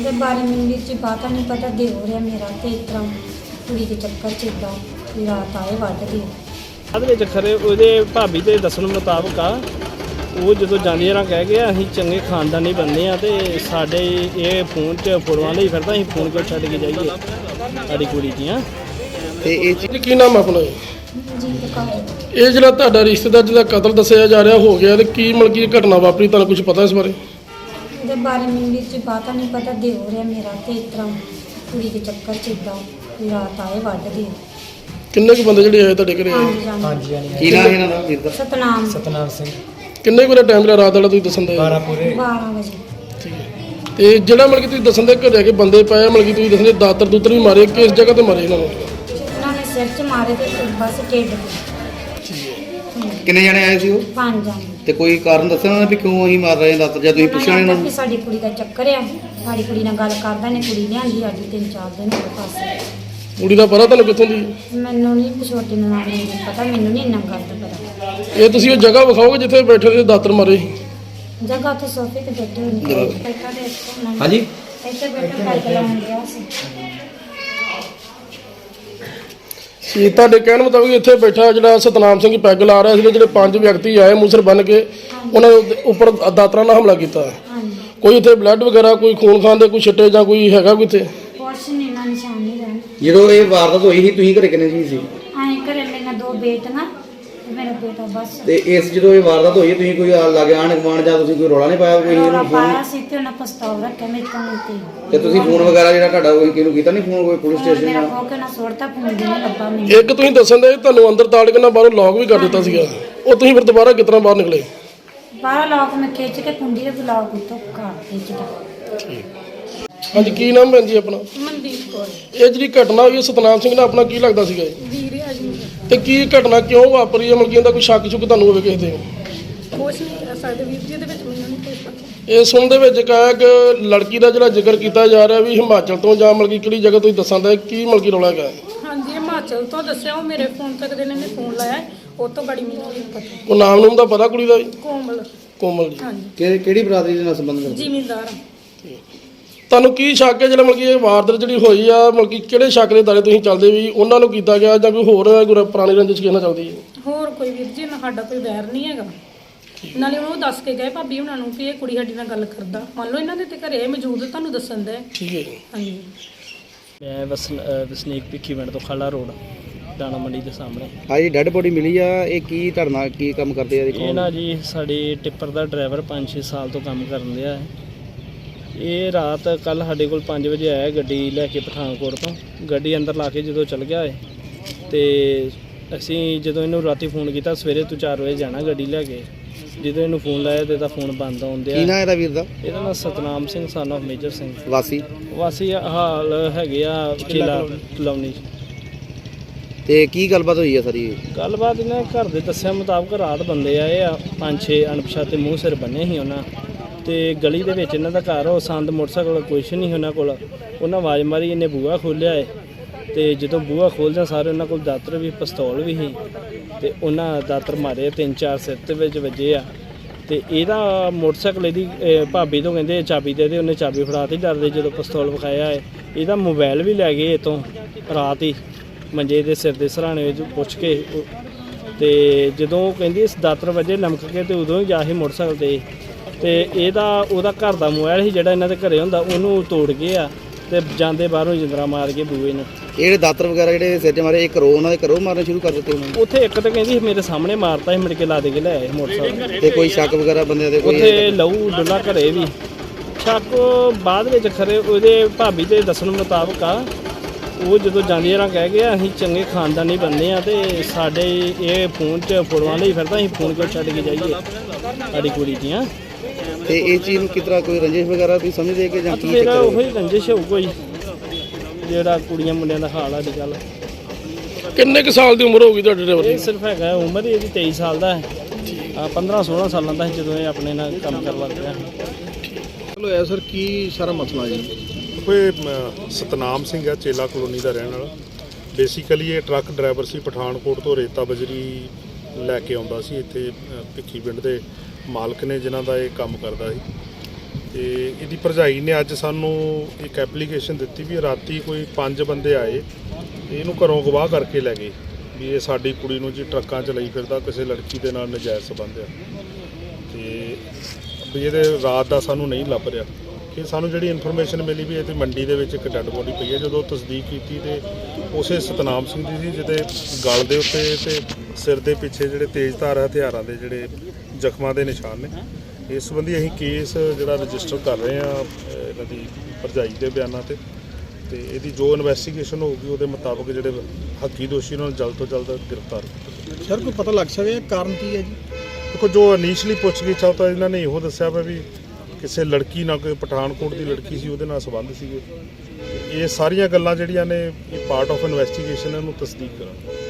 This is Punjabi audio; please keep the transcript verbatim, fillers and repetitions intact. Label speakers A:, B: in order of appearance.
A: ਉਹਦੇ ਬਾਰੇ ਮੈਨੂੰ ਵਿੱਚ ਬਾਤਾਂ ਨਹੀਂ ਪਤਾ ਦੇ ਹੋ ਰਿਹਾ ਮੇਰਾ ਤੇ ਇਸ ਤਰ੍ਹਾਂ ਕੁੜੀ ਦੇ ਚੱਕਰ 'ਚ ਇੱਦਾਂ ਵੀ ਰਾਤ ਆਏ ਵੱਢ ਗਏ।
B: ਬਾਅਦ ਵਿੱਚ ਖਰੇ ਉਹਦੇ ਭਾਬੀ ਦੇ ਦੱਸਣ ਮੁਤਾਬਕ ਆ ਉਹ ਜਦੋਂ ਜਾਂਦੀ ਰਾਂ ਕਹਿ ਗਿਆ ਅਸੀਂ ਚੰਗੇ ਖਾਨਦਾਨੀ ਬੰਦੇ ਆ ਤੇ ਸਾਡੇ ਇਹ ਫੋਨ 'ਚ ਫੋਟੋਆਂ ਲਈ ਫਿਰਦਾ ਅਸੀਂ ਫੋਨ ਕਿਉਂ ਛੱਡ ਕੇ ਜਾਈਏ ਸਾਡੀ ਕੁੜੀ ਦੀਆਂ।
C: ਤੇ ਇਹ ਚੀਜ਼ ਕੀ ਨਾਮ ਆਪਣਾ
A: ਜੀ ਕੌਰ
D: ਇਹ ਜਿਹੜਾ ਤੁਹਾਡਾ ਰਿਸ਼ਤੇਦਾਰ ਜਿਹਦਾ ਕਤਲ ਦੱਸਿਆ ਜਾ ਰਿਹਾ ਹੋ ਗਿਆ ਤੇ ਕੀ ਮਤਲਬ ਕੀ ਘਟਨਾ ਵਾਪਰੀ ਤੁਹਾਨੂੰ ਕੁਝ ਪਤਾ ਇਸ ਬਾਰੇ?
A: ਉਹਦੇ ਬਾਰੇ ਮੈਨੂੰ ਵਿੱਚ ਬਾਤਾਂ ਨਹੀਂ ਪਤਾ ਦੇ ਹੋ ਰਿਹਾ ਮੇਰਾ ਤੇ ਇਸ ਤਰ੍ਹਾਂ ਕੁੜੀ ਦੇ ਚੱਕਰ 'ਚ ਇੱਦਾਂ ਵੀ ਰਾਤ ਆਏ ਵੱਢ ਗਏ।
D: ਕਿੰਨੇ ਕੁ ਬੰਦੇ ਜਿਹੜੇ ਆਏ ਤੁਹਾਡੇ ਘਰੇ ਆਏ?
A: ਹਾਂਜੀ ਹਾਂਜੀ
C: ਕੀ ਨਾਮ ਇਹਨਾਂ ਦਾ ਵੀਰ ਦਾ?
A: ਸਤਨਾਮ
E: ਸਤਨਾਮ ਸਿੰਘ
D: ਕਿੰਨੇ ਕੁ ਟਾਈਮ ਦਾ ਰਾਤ ਵਾਲਾ ਤੁਸੀਂ ਦੱਸਣ ਦੇ?
E: ਬਾਰਾਂ ਪੂਰੇ
A: ਬਾਰਾਂ ਵਜੇ।
D: ਠੀਕ ਹੈ। ਤੇ ਜਿਹੜਾ ਮਤਲਬ ਕਿ ਤੁਸੀਂ ਦੱਸਣ ਦੇ ਘਰੇ ਆ ਕੇ ਬੰਦੇ ਪਏ ਮਤਲਬ ਕਿ ਤੁਸੀਂ ਦੱਸਣ ਦੇ ਦਾਤਰ ਦੂਤਰ ਵੀ ਮਾਰੇ ਕਿਸ ਜਗ੍ਹਾ ਤੇ ਮਾਰੇ ਇਹਨਾਂ ਨੂੰ?
A: ਉਹਨਾਂ ਨੇ ਸਿਰ 'ਚ ਮਾਰੇ ਤੇ ਬਸ ਢਿੱਡ 'ਤੇ।
C: ਕਿੰਨੇ ਜਣੇ ਆਏ ਸੀ ਉਹ?
A: ਪੰਜ ਜਾਣੇ।
C: ਤੇ ਕੋਈ ਕਾਰਨ ਦੱਸਿਆ ਉਹਨਾਂ ਨੇ ਵੀ ਕਿਉਂ ਅਸੀਂ ਮਾਰ ਰਹੇ ਹਾਂ ਦਾਤਰ ਜਾਂ ਤੁਸੀਂ ਪੁੱਛਿਆ ਇਹਨਾਂ
A: ਵੀ
C: ਨੂੰ?
A: ਸਾਡੀ ਕੁੜੀ ਦਾ ਚੱਕਰ ਆ, ਸਾਡੀ ਕੁੜੀ ਨਾਲ ਗੱਲ ਕਰਦਾ ਨੇ ਕੁੜੀ ਲਿਆਂਦੀ ਸਾਡੀ ਤਿੰਨ ਚਾਰ ਦਿਨ ਹੋ ਗਏ ਪਾਸੇ।
D: ਕੁੜੀ ਦਾ ਪਤਾ ਤੁਹਾਨੂੰ ਕਿੱਥੋਂ ਦੀ?
A: ਮੈਨੂੰ ਨਹੀਂ ਛੋਟੀ ਨੂੰ ਨਾਮ ਨਹੀਂ ਪਤਾ, ਮੈਨੂੰ ਨਹੀਂ ਇੰਨਾ ਗੱਲ ਦਾ ਪਤਾ।
D: ਇਹ ਤੁਸੀਂ ਉਹ ਜਗ੍ਹਾ ਵਿਖਾਓਗੇ ਜਿੱਥੇ ਬੈਠੇ ਦੇ ਦਾਤਰ ਮਾਰੇ ਸੀ?
A: ਜਗ੍ਹਾ ਉੱਥੇ ਸੋਫੇ ਤੇ ਬੈਠੇ ਹੋਏ ਨੇ ਬੈਠਾ ਦੇ ਇੱਥੇ
C: ਹਾਂਜੀ
A: ਇੱਥੇ ਬੈਠਾ ਪੈਗ ਲਾਉਣ ਗਿਆ ਸੀ।
D: ਸੀ ਤੁਹਾਡੇ ਕਹਿਣ ਮੁਤਾਬਕ ਇੱਥੇ ਬੈਠਾ ਜਿਹੜਾ ਸਤਨਾਮ ਸਿੰਘ ਪੈਗ ਲਾ ਰਿਹਾ ਸੀ ਜਿਹੜੇ ਪੰਜ ਵਿਅਕਤੀ ਆਏ ਮੂਸਰ ਬੰਨ ਕੇ ਉਹਨਾਂ ਦੇ ਉੱਪਰ ਦਾਤਰਾਂ ਨਾਲ ਹਮਲਾ ਕੀਤਾ।
A: ਹਾਂਜੀ
D: ਕੋਈ ਇੱਥੇ ਬਲੱਡ ਵਗੈਰਾ ਕੋਈ ਖੂਨ ਖਾਨ ਦੇ ਕੋਈ ਛਿੱਟੇ ਜਾਂ ਕੋਈ ਹੈਗਾ ਕੋਈ ਇੱਥੇ?
A: ਕੁਛ ਨਹੀਂ ਨਾ ਨਿਸ਼ਾਨ ਨਹੀਂ ਰਹਿਣ।
C: ਜਦੋਂ ਇਹ ਵਾਰਦਾਤ ਹੋਈ ਸੀ ਤੁਸੀਂ ਘਰੇ ਕਿੰਨੇ ਜੀ ਸੀ?
A: ਆਏ ਘਰੇ ਮੇਰੇ ਦੋ ਬੇਟੀਆਂ ਤੇ ਮੇਰਾ ਬੇਟਾ ਬਸ।
C: ਤੇ ਇਸ ਜਦੋਂ ਇਹ ਵਾਰਦਾਤ ਹੋਈ ਤੁਸੀਂ ਕੋਈ ਲਾਗੇ ਆਣ ਗਵਾਣ ਜਾਂ ਤੁਸੀਂ ਕੋਈ ਰੌਲਾ ਨਹੀਂ ਪਾਇਆ ਕੋਈ
A: ਰੌਲਾ
C: ਇਹਨੂੰ
A: ਪਾਇਆ
C: ਫੋਨ?
A: ਸੀ ਤੇ ਉਹਨਾਂ ਪਸਤਾਵ ਰੱਖਿਆ ਮੇਰੇ ਕੋਲ ਤੇ
C: ਤੇ ਤੁਸੀਂ ਫੋਨ ਵਗੈਰਾ ਜਿਹੜਾ ਤੁਹਾਡਾ ਕੋਈ ਕਿਹਨੂੰ ਕੀਤਾ ਨਹੀਂ ਫੋਨ ਕੋਈ ਪੁਲਿਸ ਸਟੇਸ਼ਨ
A: ਮੇਰਾ
C: ਜਾਂ?
A: ਖੋ ਕੇ ਨਾ ਸੁੱਟਤਾ ਫੋਨ ਦੇ ਨਾ ਲੱਭਾ ਮੈਨੂੰ।
D: ਇੱਕ ਤੁਸੀਂ ਦੱਸਣ ਦੇ ਤੁਹਾਨੂੰ ਅੰਦਰ ਤਾੜ ਕੇ ਨਾ ਬਾਹਰੋਂ ਲੌਕ ਵੀ ਕਰ ਦਿੱਤਾ ਸੀਗਾ, ਉਹ ਤੁਸੀਂ ਫਿਰ ਦੁਬਾਰਾ ਕਿਸ ਤਰ੍ਹਾਂ ਬਾਹਰ ਨਿਕਲੇ?
A: ਬਾਹਰ ਲੋਕ ਮੈਂ ਖਿੱਚ ਕੇ ਕੁੰਡੀ ਦੇ ਬਲਾਕ ਉੱਤੋਂ ਘਰ ਖਿੱਚਦਾ।
D: ਹਾਂਜੀ ਕੀ ਨਾਮ ਭੈਣ ਜੀ ਆਪਣਾ?
A: ਮਨਦੀਪ ਕੌਰ
D: ਇਹ ਜਿਹੜੀ ਘਟਨਾ ਹੋਈ ਹੈ ਸਤਨਾਮ ਸਿੰਘ ਨਾਲ ਆਪਣਾ ਕੀ ਲੱਗਦਾ ਸੀਗਾ ਇਹ?
A: ਵੀਰੇ ਅਜੀ
D: ਤੇ ਕੀ ਘਟਨਾ ਕਿਉਂ ਵਾਪਰੀ ਹੈ ਮਤਲਬ ਕਿ ਇਹਦਾ ਕੋਈ ਸ਼ੱਕ ਸ਼ੁਕ ਤੁਹਾਨੂੰ ਹੋਵੇ ਕਿਸੇ ਤੇ?
A: ਕੁਛ ਨਹੀਂ ਕਰ ਸਕਦੇ ਵੀਰ ਜੀ, ਇਹਦੇ ਵਿੱਚ ਮੈਨੂੰ ਨਹੀਂ ਕੁਝ ਪਤਾ।
D: ਇਹ ਸੁਣ ਦੇ ਵਿੱਚ ਕਹਾ ਕਿ ਲੜਕੀ ਦਾ ਜਿਹੜਾ ਜ਼ਿਕਰ ਕੀਤਾ ਜਾ ਰਿਹਾ ਵੀ ਹਿਮਾਚਲ ਤੋਂ ਜਾਂ ਮਤਲਬ ਕਿ ਕਿਹੜੀ ਜਗ੍ਹਾ ਤੁਸੀਂ ਦੱਸਾਂ ਦਾ ਕੀ ਮਤਲਬ ਕਿ ਰੌਲਾ ਹੈਗਾ?
F: ਹਾਂਜੀ ਹਿਮਾਚਲ ਤੋਂ ਦੱਸਿਆ, ਉਹ ਮੇਰੇ ਫੋਨ ਤੱਕ ਦੇ ਨੇ ਫੋਨ ਲਾਇਆ, ਉਹ ਤੋਂ ਬੜੀ ਮੈਨੂੰ ਨਹੀਂ ਪਤਾ।
D: ਉਹ ਨਾਮ ਨੂਮ ਦਾ ਪਤਾ ਕੁੜੀ ਦਾ ਵੀ?
F: ਕੋਮਲ।
D: ਕੋਮਲ ਜੀ।
F: ਹਾਂਜੀ
C: ਕਿ- ਕਿਹੜੀ ਬਰਾਦਰੀ ਦੇ ਨਾਲ ਸੰਬੰਧ ਰੱਖਦੇ?
F: ਜ਼ਿਮੀਂਦਾਰ।
D: ਤੁਹਾਨੂੰ ਕੀ ਸ਼ੱਕ ਹੈ ਜਿਹੜਾ ਮਤਲਬ ਕਿ ਇਹ ਵਾਰਦਾਤ ਜਿਹੜੀ ਹੋਈ ਆ ਮਤਲਬ ਕਿ ਕਿਹੜੇ ਸ਼ੱਕ ਦੇ ਦਾਇਰੇ ਤੁਸੀਂ ਚੱਲਦੇ ਵੀ ਉਹਨਾਂ ਨੂੰ ਕੀਤਾ ਗਿਆ ਜਾਂ ਕੋਈ ਹੋਰ ਕੋਈ ਪੁਰਾਣੀ ਰੰਜਿਸ਼ ਕਿਹਨਾਂ ਚੱਲਦੀ ਹੈ?
F: ਹੋਰ ਕੋਈ ਵੀਰ ਜੀ ਨਾ ਸਾਡਾ ਕੋਈ ਵੈਰ ਨਹੀਂ ਹੈਗਾ। ਨਾਲੇ ਉਹਨੂੰ ਦੱਸ ਕੇ ਗਏ ਭਾਬੀ ਉਹਨਾਂ ਨੂੰ ਕਿ ਇਹ ਕੁੜੀ ਸਾਡੀ ਨਾਲ ਗੱਲ ਕਰਦਾ, ਮੰਨ ਲਓ ਇਹਨਾਂ ਦੇ ਤੇ ਘਰੇ ਮੌਜੂਦ ਤੁਹਾਨੂੰ ਦੱਸਣ ਦੇ।
D: ਠੀਕ ਹੈ ਜੀ।
F: ਹਾਂਜੀ
B: ਮੈਂ ਵਸ ਵਸਨੀਕ ਭਿੱਖੀ ਪਿੰਡ ਤੋਂ ਖਾਲਾ ਰੋਡ ਦਾਣਾ ਮੰਡੀ ਦੇ ਸਾਹਮਣੇ।
C: ਹਾਂਜੀ ਡੈੱਡ ਬੋਡੀ ਮਿਲੀ ਆ, ਇਹ ਕੀ ਧਰਨਾ ਕੀ ਕੰਮ ਕਰਦੇ ਆ?
B: ਇਹ ਨਾ ਜੀ ਸਾਡੇ ਟਿੱਪਰ ਦਾ ਡਰਾਈਵਰ ਪੰਜ ਛੇ ਸਾਲ ਤੋਂ ਕੰਮ ਕਰਨ ਰਿਹਾ ਹੈ। ਇਹ ਰਾਤ ਕੱਲ ਸਾਡੇ ਕੋਲ ਪੰਜ ਵਜੇ ਆਇਆ ਗੱਡੀ ਲੈ ਕੇ ਪਠਾਨਕੋਟ ਤੋਂ। ਗੱਡੀ ਅੰਦਰ ਲਾ ਕੇ ਜਦੋਂ ਚਲ ਗਿਆ ਹੈ ਤੇ ਅਸੀਂ ਜਦੋਂ ਇਹਨੂੰ ਰਾਤੀ ਫੋਨ ਕੀਤਾ ਸਵੇਰੇ ਤੂੰ ਚਾਰ ਵਜੇ ਜਾਣਾ ਗੱਡੀ ਲੈ ਕੇ, ਜਦੋਂ ਇਹਨੂੰ ਫੋਨ ਲਾਇਆ ਤੇ ਇਹਦਾ ਫੋਨ ਬੰਦ ਆਉਂਦਿਆ।
C: ਕੀ ਨਾਂ ਇਹਦਾ ਵੀਰ ਦਾ?
B: ਇਹਦਾ ਨਾਮ ਸਤਨਾਮ ਸਿੰਘ ਸਨ ਆਫ ਮੇਜਰ ਸਿੰਘ
C: ਵਾਸੀ
B: ਵਾਸੀ ਹਾਲ ਹੈਗੇ ਆ ਚੇਲਾ ਕਲੋਨੀ।
C: ਤੇ ਕੀ ਗੱਲਬਾਤ ਹੋਈ ਆ ਸਾਰੀ?
B: ਗੱਲਬਾਤ ਇਹਨਾਂ ਘਰ ਦੇ ਦੱਸਿਆ ਮੁਤਾਬਕ ਰਾਤ ਬੰਦੇ ਆਏ ਆ ਪੰਜ ਛੇ ਅਣਪਛਾਤੇ ਮੂੰਹ ਸਿਰ ਬੰਨੇ ਸੀ ਉਹਨਾਂ ਤੇ ਗਲੀ ਦੇ ਵਿੱਚ ਇਹਨਾਂ ਦਾ ਘਰ ਉਹ ਸੰਦ ਮੋਟਰਸਾਈਕਲ ਕੁਛ ਨਹੀਂ ਉਹਨਾਂ ਕੋਲ। ਉਹਨਾਂ ਆਵਾਜ਼ ਮਾਰੀ, ਇਹਨੇ ਬੂਹਾ ਖੋਲ੍ਹਿਆ ਹੈ ਤੇ ਜਦੋਂ ਬੂਹਾ ਖੋਲ੍ਹਦਿਆਂ ਸਾਰੇ ਉਹਨਾਂ ਕੋਲ ਦਾਤਰ ਵੀ ਪਿਸਤੌਲ ਵੀ ਸੀ ਤੇ ਉਹਨਾਂ ਦਾਤਰ ਮਾਰੇ, ਤਿੰਨ ਚਾਰ ਸਿਰ ਦੇ ਵਿੱਚ ਵੱਜੇ ਆ। ਤੇ ਇਹਦਾ ਮੋਟਰਸਾਈਕਲ ਇਹਦੀ ਭਾਬੀ ਤੋਂ ਕਹਿੰਦੇ ਚਾਬੀ ਦੇ ਦੇ, ਉਹਨੇ ਚਾਬੀ ਫੜਾ ਤੀ ਡਰਦੇ। ਜਦੋਂ ਪਿਸਤੌਲ ਵਿਖਾਇਆ ਹੈ ਇਹਦਾ ਮੋਬਾਈਲ ਵੀ ਲੈ ਗਏ ਇੱਥੋਂ ਰਾਤ ਹੀ ਮੰਜੇ ਦੇ ਸਿਰ ਦੇ ਸਰਾਣੇ ਵਿੱਚ ਪੁੱਛ ਕੇ। ਤੇ ਜਦੋਂ ਉਹ ਕਹਿੰਦੀ ਇਸ ਦਾਤਰ ਵਜੇ ਲਮਕ ਕੇ ਤੇ ਉਦੋਂ ਹੀ ਜਾ ਸੀ ਮੋਟਰਸਾਈਕਲ ਤੇ ਤੇ ਇਹਦਾ ਉਹਦਾ ਘਰ ਦਾ ਮੋਬਾਈਲ ਸੀ ਜਿਹੜਾ ਇਹਨਾਂ ਦੇ ਘਰੇ ਹੁੰਦਾ ਉਹਨੂੰ ਤੋੜ ਗਏ ਆ ਤੇ ਜਾਂਦੇ ਬਾਹਰੋਂ ਜਿੰਦਰਾ ਮਾਰ ਕੇ ਬੂਏ ਨੂੰ।
C: ਇਹ ਜਿਹੜੇ ਦਾਤਰ ਵਗੈਰਾ ਜਿਹੜੇ ਸਿਰ 'ਚ ਮਾਰੇ ਇਹ ਕਰੋ ਉਹਨਾਂ ਦੇ ਘਰੋਂ ਮਾਰਨੇ ਸ਼ੁਰੂ ਕਰ ਦਿੱਤੇ ਉਹਨਾਂ ਨੇ?
B: ਉੱਥੇ ਇੱਕ ਤਾਂ ਕਹਿੰਦੀ ਮੇਰੇ ਸਾਹਮਣੇ ਮਾਰਤਾ ਸੀ, ਮੁੜ ਕੇ ਲਾ ਦੇ ਕੇ ਲੈ ਆਏ ਮੋਟਰਸਾਈਕਲ।
C: ਤੇ ਕੋਈ ਸ਼ੱਕ ਵਗੈਰਾ ਬੰਦਿਆਂ ਦੇ ਕੋਈ?
B: ਉੱਥੇ ਲਹੂ ਡੁੱਲਾ ਘਰੇ ਵੀ ਸ਼ੱਕ ਬਾਅਦ ਵਿੱਚ ਖਰੇ ਉਹਦੇ ਭਾਬੀ ਦੇ ਦੱਸਣ ਮੁਤਾਬਕ ਆ ਉਹ ਜਦੋਂ ਜਾਂਦੀ ਰਾਂ ਕਹਿ ਗਿਆ ਅਸੀਂ ਚੰਗੇ ਖਾਨਦਾਨੀ ਬੰਦੇ ਆ ਤੇ ਸਾਡੇ ਇਹ ਫੋਨ 'ਚ ਫੋਟੋਆਂ ਲਈ ਫਿਰਦਾ ਅਸੀਂ ਫੋਨ ਕਿਉਂ ਛੱਡ ਕੇ ਜਾਈਏ ਸਾਡੀ ਕੁੜੀ ਦੀਆਂ।
C: ਤੇ ਇਹ ਚੀਜ਼ ਨੂੰ ਕਿਸ ਤਰ੍ਹਾਂ ਕੋਈ ਰੰਜਿਸ਼ ਵਗੈਰਾ ਤੁਸੀਂ ਸਮਝਦੇ ਕਿ ਜਾਂ ਕੀ
B: ਮੇਰਾ
C: ਚੱਕਰ
B: ਉਹੀ ਰੰਜਿਸ਼ ਹੋਊਗਾ ਜੀ ਜਿਹੜਾ ਕੁੜੀਆਂ ਮੁੰਡਿਆਂ ਦਾ ਹਾਲ ਆ ਅੱਜ ਕੱਲ੍ਹ।
D: ਕਿੰਨੇ ਕੁ ਸਾਲ ਦੀ ਉਮਰ ਹੋ ਗਈ ਤੁਹਾਡੇ ਡਰਾਈਵਰ
B: ਇਹ
D: ਦੀ?
B: ਸਿਰਫ ਹੈਗਾ ਉਮਰ ਹੀ ਇਹਦੀ ਤੇਈ ਸਾਲ ਦਾ ਹੈ। ਪੰਦਰਾਂ ਸੋਲਾਂ ਸਾਲਾਂ ਦਾ ਸੀ ਜਦੋਂ ਇਹ ਆਪਣੇ ਨਾਲ ਕੰਮ ਕਰਨ ਲੱਗ ਪਿਆ।
G: ਚਲੋ ਐ ਸਰ ਕੀ ਸਾਰਾ ਮਸਲਾ ਜੀ?
H: ਕੋਈ ਸਤਨਾਮ ਸਿੰਘ ਹੈ, ਚੇਲਾ ਕਲੋਨੀ ਦਾ ਰਹਿਣ ਵਾਲਾ। ਬੇਸਿਕਲੀ ਇਹ ਟਰੱਕ ਡਰਾਈਵਰ ਸੀ, ਪਠਾਨਕੋਟ ਤੋਂ ਰੇਤਾ ਬਜਰੀ ਲੈ ਕੇ ਆਉਂਦਾ ਸੀ ਇੱਥੇ ਭਿੱਖੀ ਪਿੰਡ ਦੇ ਮਾਲਕ ਨੇ ਜਿਨ੍ਹਾਂ ਦਾ ਇਹ ਕੰਮ ਕਰਦਾ ਸੀ। ਤੇ ਇਹਦੀ ਭਰਜਾਈ ਨੇ ਅੱਜ ਸਾਨੂੰ ਇੱਕ ਐਪਲੀਕੇਸ਼ਨ ਦਿੱਤੀ ਵੀ ਰਾਤੀ ਕੋਈ ਪੰਜ ਬੰਦੇ ਆਏ ਤੇ ਇਹਨੂੰ ਘਰੋਂ ਅਗਵਾ ਕਰਕੇ ਲੈ ਗਏ ਵੀ ਇਹ ਸਾਡੀ ਕੁੜੀ ਨੂੰ ਜੀ ਟਰੱਕਾਂ 'ਚ ਲਈ ਫਿਰਦਾ, ਕਿਸੇ ਲੜਕੀ ਦੇ ਨਾਲ ਨਜਾਇਜ਼ ਸੰਬੰਧ ਆ ਤੇ ਵੀ ਇਹਦੇ ਰਾਤ ਦਾ ਸਾਨੂੰ ਨਹੀਂ ਲੱਭ ਰਿਹਾ। ਕਿ ਸਾਨੂੰ ਜਿਹੜੀ ਇਨਫੋਰਮੇਸ਼ਨ ਮਿਲੀ ਵੀ ਇਹਦੀ ਮੰਡੀ ਦੇ ਵਿੱਚ ਇੱਕ ਡੈੱਡ ਬੋਡੀ ਪਈ ਹੈ। ਜਦੋਂ ਤਸਦੀਕ ਕੀਤੀ ਤੇ ਉਸੇ ਸਤਨਾਮ ਸਿੰਘ ਦੀ ਸੀ ਜਿਹਦੇ ਗਲ ਦੇ ਉੱਤੇ ਤੇ ਸਿਰ ਦੇ ਪਿੱਛੇ ਜਿਹੜੇ ਤੇਜ਼ਧਾਰ ਹਥਿਆਰਾਂ ਦੇ ਜਿਹੜੇ ਜ਼ਖਮਾਂ ਦੇ ਨਿਸ਼ਾਨ ਨੇ। ਇਸ ਸੰਬੰਧੀ ਅਸੀਂ ਕੇਸ ਜਿਹੜਾ ਰਜਿਸਟਰ ਕਰ ਰਹੇ ਹਾਂ ਇਹਨਾਂ ਦੀ ਭਰਜਾਈ ਦੇ ਬਿਆਨਾਂ ਤੇ ਤੇ ਇਹਦੀ ਜੋ ਇਨਵੈਸਟੀਗੇਸ਼ਨ ਹੋਊਗੀ ਉਹਦੇ ਮੁਤਾਬਕ ਜਿਹੜੇ ਹੱਕੀ ਦੋਸ਼ੀ ਉਹਨਾਂ ਨੂੰ ਜਲਦ ਤੋਂ ਜਲਦ ਗ੍ਰਿਫਤਾਰ ਕੀਤਾ।
G: ਸਰ ਕੋਈ ਪਤਾ ਲੱਗ ਸਕਿਆ ਕਾਰਨ ਕੀ ਹੈ ਜੀ?
H: ਦੇਖੋ ਜੋ ਇਨੀਸ਼ੀਅਲੀ ਪੁੱਛਗਿੱਛ ਆ ਤਾਂ ਇਹਨਾਂ ਨੇ ਇਹੋ ਦੱਸਿਆ ਵਾ ਵੀ ਕਿਸੇ ਲੜਕੀ ਨਾਲ, ਕੋਈ ਪਠਾਨਕੋਟ ਦੀ ਲੜਕੀ ਸੀ ਉਹਦੇ ਨਾਲ ਸੰਬੰਧ ਸੀਗੇ। ਇਹ ਸਾਰੀਆਂ ਗੱਲਾਂ ਜਿਹੜੀਆਂ ਨੇ ਇਹ ਪਾਰਟ ਆਫ ਇਨਵੈਸਟੀਗੇਸ਼ਨ ਇਹਨੂੰ ਤਸਦੀਕ ਕਰਾਂਗੇ।